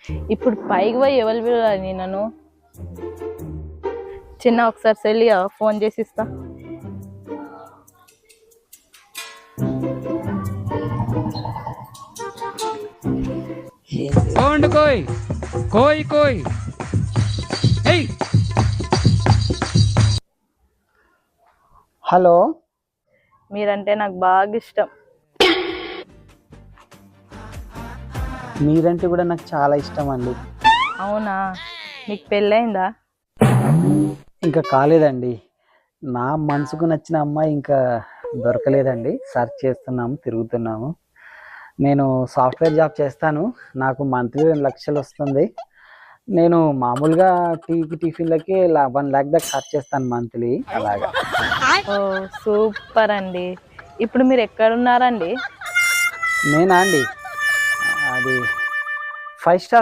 ఇప్పుడు పైకి పోయి ఎవరు పిలవాలి నన్ను? చిన్న ఒకసారి సెల్లి ఫోన్ చేసి ఇస్తా. సౌండ్ కోయ్ కోయ్ కోయ్. ఏయ్ హలో, మీరంటే నాకు బాగా ఇష్టం. మీరంటే కూడా నాకు చాలా ఇష్టం అండి. అవునా, మీకు పెళ్ళయిందా? ఇంకా కాలేదండి. నా మనసుకు నచ్చిన అమ్మాయి ఇంకా దొరకలేదండి. సెర్చ్ చేస్తున్నాము, తిరుగుతున్నాము. నేను సాఫ్ట్వేర్ జాబ్ చేస్తాను. నాకు మంత్లీ 2 లక్షలు వస్తుంది. నేను మామూలుగా టీకి టిఫిన్లకి 1 lakh దాకా ఖర్చు చేస్తాను మంత్లీ. అలాగా. ఓ సూపర్ అండి. ఇప్పుడు మీరు ఎక్కడున్నారండి? నేనా అండి, అది 5 స్టార్